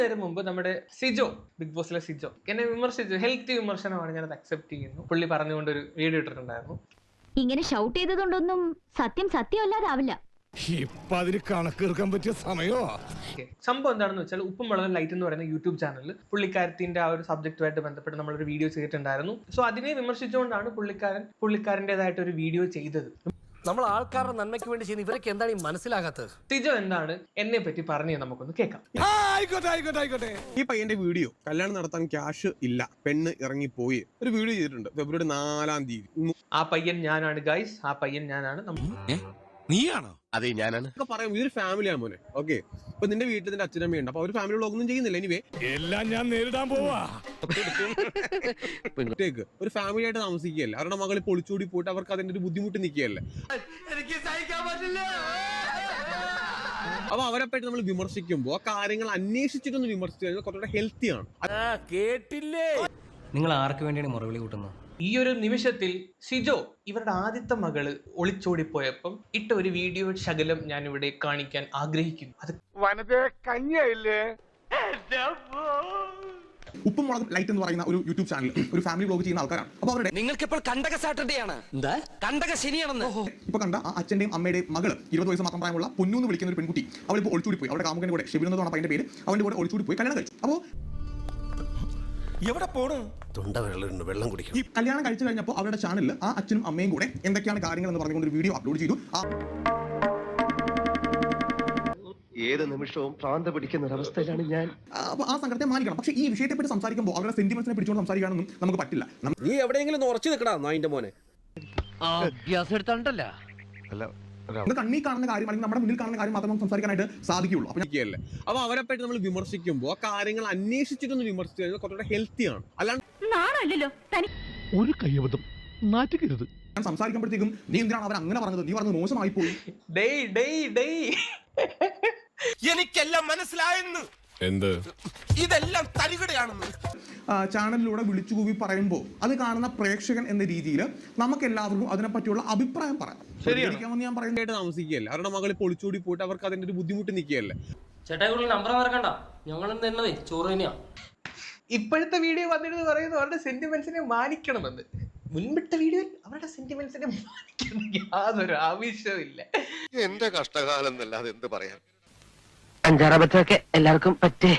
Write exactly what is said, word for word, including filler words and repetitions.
നേരം മുമ്പ് നമ്മുടെ സിജോ, ബിഗ് ബോസിലെ സിജോ എന്നെ വിമർശിച്ചു. ഹെൽത്തി വിമർശനമാണ്, ഞാനത് അക്സെപ്റ്റ് ചെയ്യുന്നു. പുള്ളി പറഞ്ഞുകൊണ്ടൊരു വീഡിയോ ഇട്ടിട്ടുണ്ടായിരുന്നു. ഇങ്ങനെ ഷൗട്ട് ചെയ്തതുകൊണ്ടൊന്നും സത്യം സത്യമല്ലാതാവില്ല. ഇപ്പൊ അതിന് കണക്കെടുക്കാൻ പറ്റിയ സമയോ? സംഭവം എന്താണെന്ന് വെച്ചാൽ, ഉപ്പും മുളകും ലൈറ്റ് എന്ന് പറയുന്ന യൂട്യൂബ് ചാനലിൽ പുള്ളിക്കാരത്തിന്റെ ആ ഒരു സബ്ജക്റ്റുമായിട്ട് ബന്ധപ്പെട്ട് നമ്മളൊരു വീഡിയോ ചെയ്തിട്ടുണ്ടായിരുന്നു. സോ അതിനെ വിമർശിച്ചുകൊണ്ടാണ് പുള്ളിക്കാരൻ പുള്ളിക്കാരൻ്റെതായിട്ട് ഒരു വീഡിയോ ചെയ്തത്. നമ്മൾ ആൾക്കാരുടെ നന്മയ്ക്ക് വേണ്ടി ചെയ്യുന്ന ഇവരൊക്കെ എന്താണ് ഈ മനസ്സിലാകാത്തത്? സിജോ എന്താണ് എന്നെ പറ്റി പറഞ്ഞു നമുക്കൊന്ന് കേൾക്കാം. ആയിക്കോട്ടെ ആയിക്കോട്ടെ ആയിക്കോട്ടെ. ഈ പയ്യന്റെ വീഡിയോ, കല്യാണം നടത്താൻ ക്യാഷ് ഇല്ല, പെണ്ണ് ഇറങ്ങിപ്പോയി, ഒരു വീഡിയോ ചെയ്തിട്ടുണ്ട് ഫെബ്രുവരി നാലാം തീയതി. ആ പയ്യൻ ഞാനാണ് ഗൈസ്, ആ പയ്യൻ ഞാനാണ്. നീയാണോ? അതെ, ഞാനാണ്. പറയാം, ഇതൊരു ഫാമിലിയാണ് മോനെ. ഓക്കെ, ഇപ്പൊ നിന്റെ വീട്ടിൽ നിന്റെ അച്ഛനമ്മയുണ്ട്, അപ്പൊ അവര് ഫാമിലി ഒന്നും ചെയ്യുന്നില്ല. എനിവേ എല്ലാം ഞാൻ നേരിടാൻ പോവാ. ഒരു ഫാമിലി ആയിട്ട് താമസിക്കുകയല്ലേ, അവരുടെ മകളെ പൊളിച്ചൂടി പോയിട്ട് അവർക്ക് അതിന്റെ ഒരു ബുദ്ധിമുട്ട് നിൽക്കുകയല്ലേ. അപ്പൊ അവരെ പറ്റി നമ്മൾ വിമർശിക്കുമ്പോൾ ആ കാര്യങ്ങൾ അന്വേഷിച്ചിട്ടൊന്ന് വിമർശിച്ചു കഴിഞ്ഞാൽ കുറച്ചുകൂടെ ഹെൽത്തിയാണ്. കേട്ടില്ലേ? നിങ്ങൾ ആർക്ക് വേണ്ടിയാണ് മുറവിളി കൂട്ടുന്നത്? ഈ ഒരു നിമിഷത്തിൽ സിജോ ഇവരുടെ ആദ്യത്തെ മകള് ഒളിച്ചോടിപ്പോയപ്പം ഇട്ട ഒരു വീഡിയോ ശകലം ഞാൻ ഇവിടെ കാണിക്കാൻ ആഗ്രഹിക്കുന്നു. അത് ഉപ്പും മുളകും ലൈറ്റ് എന്ന് പറയുന്ന ഒരു യൂട്യൂബ് ചാനൽ, ഒരു ഫാമിലി വ്ലോഗ് ചെയ്യുന്ന ആൾക്കാരാണ്. അപ്പൊ അവരുടെ നിങ്ങൾക്ക് ഇപ്പോൾ കണ്ടക സാറ്റർഡേ ആണ്, എന്താ കണ്ടക ശനിയാണെന്ന് ഇപ്പൊ കണ്ട ആ അച്ഛന്റെയും അമ്മയുടെയും മകള് ഇരുപത് വയസ്സ് മാത്രം പ്രായമുള്ള പൊന്നു എന്ന് വിളിക്കുന്ന ഒരു പെൺകുട്ടി, അവളിപ്പോൾ ഒളിച്ചോടി പോയി. അവരുടെ കാമുകന്റെ കൂടെ ഷെബിനെന്നാണ് പയ്യന്റെ പേര്, അവന്റെ കൂടെ ഒളിച്ചോടി പോയി കല്യാണം കഴിച്ചു. അപ്പോ എവിടെ പോണു? തൊണ്ട വെള്ളം വെള്ളം കുടിക്കും. ഈ കല്യാണം കഴിച്ചു കഴിഞ്ഞപ്പോൾ അവരുടെ ചാനലിൽ ആ അച്ഛനും അമ്മയും കൂടെ എന്തൊക്കെയാണ് കാര്യങ്ങൾ എന്ന് പറഞ്ഞുകൊണ്ട് ഒരു വീഡിയോ അപ്ലോഡ് ചെയ്തു. ഏത് നിമിഷവും ഭ്രാന്ത് പിടിക്കുന്ന ഒരവസ്ഥയിലാണ് ഞാൻ. അപ്പൊ ആ സംഘത്തെ മാനിക്കണം. പക്ഷേ ഈ വിഷയത്തെ പറ്റി സംസാരിക്കുമ്പോൾ അവരുടെ സെന്റിമെന്റ്സിനെ പിടിച്ചുകൊണ്ട് സംസാരിക്കാനൊന്നും നമുക്ക് പറ്റില്ല. നീ എവിടെയെങ്കിലും ഉറച്ചു നിൽക്കടാ നായിന്റെ മോനെ. അഭ്യാസം എടുത്തോണ്ടല്ല, നമ്മൾ കണ്ണി കാണുന്ന കാര്യം അല്ലെങ്കിൽ നമ്മുടെ മുന്നിൽ കാണുന്ന കാര്യം മാത്രമേ സംസാരിക്കാനായിട്ട് സാധിക്കുള്ളൂ. അപ്പൊ അവരെ പറ്റി നമ്മൾ വിമർശിക്കുമ്പോൾ ആ കാര്യങ്ങൾ അന്വേഷിച്ചിട്ടൊന്ന് വിമർശിച്ചു കഴിഞ്ഞാൽ കുറച്ചുകൂടെ ഹെൽത്തിയാണ്. അല്ലാണ്ട് ഒരു കയ്യബദ്ധം നാറ്റുകരുത്. ഞാൻ സംസാരിക്കുമ്പോഴത്തേക്കും നീ എന്തിനാണ് അവർ അങ്ങനെ പറഞ്ഞത്, നീ പറഞ്ഞത് മോശമായി പോയി. ഡേയ് ഡേയ് ഡേയ് എനിക്കെല്ലാം മനസ്സിലായെന്ന്. എന്ത്? ഇതെല്ലാം തരികടയാണെന്ന് ചാനലിലൂടെ വിളിച്ചു കൂവി പറയുമ്പോൾ അത് കാണുന്ന പ്രേക്ഷകൻ എന്ന രീതിയിൽ നമുക്ക് എല്ലാവർക്കും അതിനെപ്പറ്റിയുള്ള അഭിപ്രായം പറയാം. ശരിയാണെന്ന് ഞാൻ പറയുന്നത്. താമസിക്കുകയല്ലേ, അവരുടെ മകളെ പൊളിച്ചൂടി പോയിട്ട് അവർക്ക് അതിന്റെ ഒരു ബുദ്ധിമുട്ട് നിൽക്കുകയല്ലേ. ചേട്ടാ നമ്പർ മറക്കണ്ട, ഞങ്ങൾ തന്നതേ ചോറ് തന്നെയാ. ഇപ്പോഴത്തെ വീഡിയോ വന്നിട്ട് പറയുന്നു അവരുടെ സെന്റിമെന്റ്സിനെ മാനിക്കണമെന്ന്. മുൻപിട്ട വീഡിയോയിൽ അവരുടെ സെന്റിമെന്റ്സിനെ മാനിക്കണം യാതൊരു ആവശ്യവും ഇല്ല. എന്റെ കഷ്ടകാലം എന്നല്ലാതെ എന്ത് പറയാൻ. അഞ്ചാറബത്തൊക്കെ എല്ലാവർക്കും പറ്റേ.